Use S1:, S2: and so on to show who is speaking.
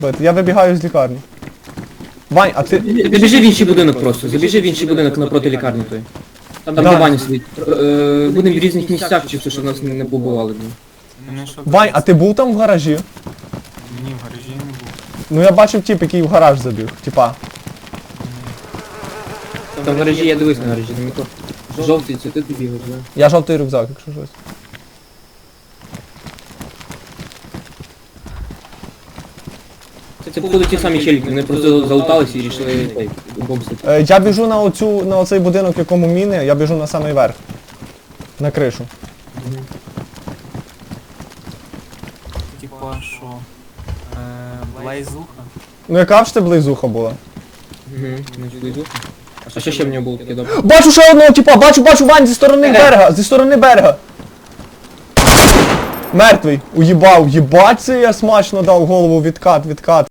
S1: Я вибігаю з лікарні. Вань, а ти...
S2: Забіжи в інший будинок просто, забіжи в інший будинок напроти лікарні той. Там
S1: Да.
S2: де Ваня сидить. Будемо в різних місцях, чисто, щоб нас не побивали.
S3: Мене що
S1: Вань, а ти був там в гаражі?
S3: Ні, в гаражі не був.
S1: Ну я бачив тип, який в гараж забіг. Типа.
S2: Там в гаражі, я дивись на гаражі, там ніхто. Жовтий, це ти бігаєш, да?
S1: Я жовтий рюкзак, якщо щось.
S2: Це походу ті самі челіки, вони просто залуталися і рішили бомбити.
S1: Я біжу на оцей будинок, в якому міни, я біжу на самий верх. На кришу.
S3: Типа що? Блайзуха?
S1: Ну яка ж ти близуха була?
S2: А що ще в нього було таке добре?
S1: Бачу ще одного типа, бачу Вань зі сторони берега, зі сторони берега. Мертвий, уїбав, їбать це я смачно дав голову відкат.